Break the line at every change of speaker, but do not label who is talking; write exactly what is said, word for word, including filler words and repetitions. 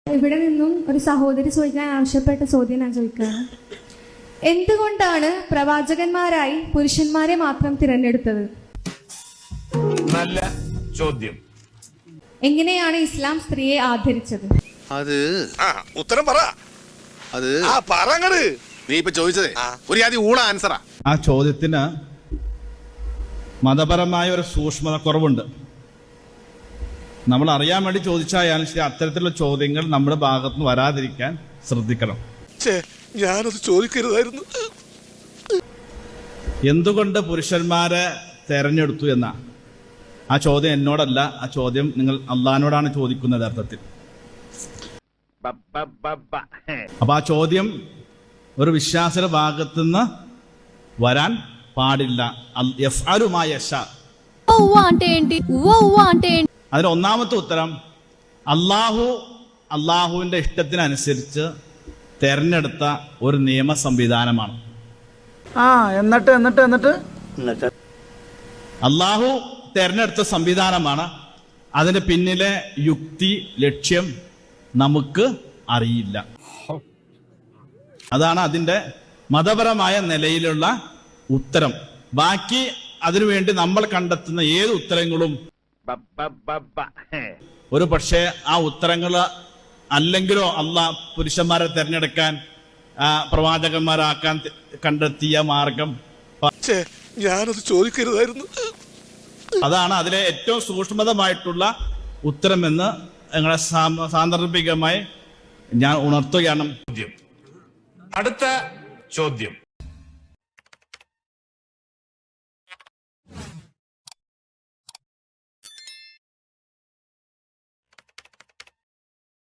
ഇവിടെ നിന്നും ഒരു സഹോദരി ചോദിക്കാൻ ആവശ്യപ്പെട്ട ചോദ്യം ഞാൻ ചോദിക്കുകയാണ്. എന്തുകൊണ്ടാണ് പ്രവാചകന്മാരായി പുരുഷന്മാരെ മാത്രം തിരഞ്ഞെടുത്തത്?
നല്ല ചോദ്യം.
എങ്ങനെയാണ് ഇസ്ലാം സ്ത്രീയെ ആദരിച്ചത്?
അത്
ഉത്തരം പറ.
അത്
ആ പറങ്ങട്.
നീ ഇപ്പൊ ചോദിച്ചതേ ഒരു ആദ്യം ഊള ആൻസറാ.
ആ ചോദ്യത്തിന് മതപരമായ ഒരു സൂക്ഷ്മത കുറവുണ്ട്. നമ്മൾ അറിയാൻ വേണ്ടി ചോദിച്ചായാലും ശരി, അത്തരത്തിലുള്ള ചോദ്യങ്ങൾ നമ്മുടെ ഭാഗത്ത് നിന്ന് വരാതിരിക്കാൻ ശ്രദ്ധിക്കണം.
ഞാനത് ചോദിക്കരുതായിരുന്നു.
എന്തുകൊണ്ട് പുരുഷന്മാരെ തെരഞ്ഞെടുത്തു എന്ന ആ ചോദ്യം എന്നോടല്ല, ആ ചോദ്യം നിങ്ങൾ അള്ളാഹിനോടാണ് ചോദിക്കുന്നത് അർത്ഥത്തിൽ. അപ്പൊ ആ ചോദ്യം ഒരു വിശ്വാസിയുടെ ഭാഗത്തുനിന്ന് വരാൻ പാടില്ല. അതിന് ഒന്നാമത്തെ ഉത്തരം അള്ളാഹു അള്ളാഹുവിന്റെ ഇഷ്ടത്തിനനുസരിച്ച് തെരഞ്ഞെടുത്ത ഒരു നിയമ സംവിധാനമാണ്.
ആ എന്നിട്ട് എന്നിട്ട് എന്നിട്ട്
അള്ളാഹു തെരഞ്ഞെടുത്ത സംവിധാനമാണ്. അതിന്റെ പിന്നിലെ യുക്തി ലക്ഷ്യം നമുക്ക് അറിയില്ല. അതാണ് അതിന്റെ മതപരമായ നിലയിലുള്ള ഉത്തരം. ബാക്കി അതിനുവേണ്ടി നമ്മൾ കണ്ടെത്തുന്ന ഏത് ഉത്തരങ്ങളും ഒരു പക്ഷേ ആ ഉത്തരങ്ങൾ അല്ലെങ്കിലോ അള്ളാഹ് പുരുഷന്മാരെ തെരഞ്ഞെടുക്കാൻ പ്രവാചകന്മാരാക്കാൻ കണ്ടെത്തിയ മാർഗം.
ഞാനത് ചോദിക്കരുതായിരുന്നു.
അതാണ് അതിലെ ഏറ്റവും സൂക്ഷ്മതമായിട്ടുള്ള ഉത്തരമെന്ന് ഞങ്ങളെ സാന്ദർഭികമായി ഞാൻ ഉണർത്തുകയാണ്.
അടുത്ത ചോദ്യം.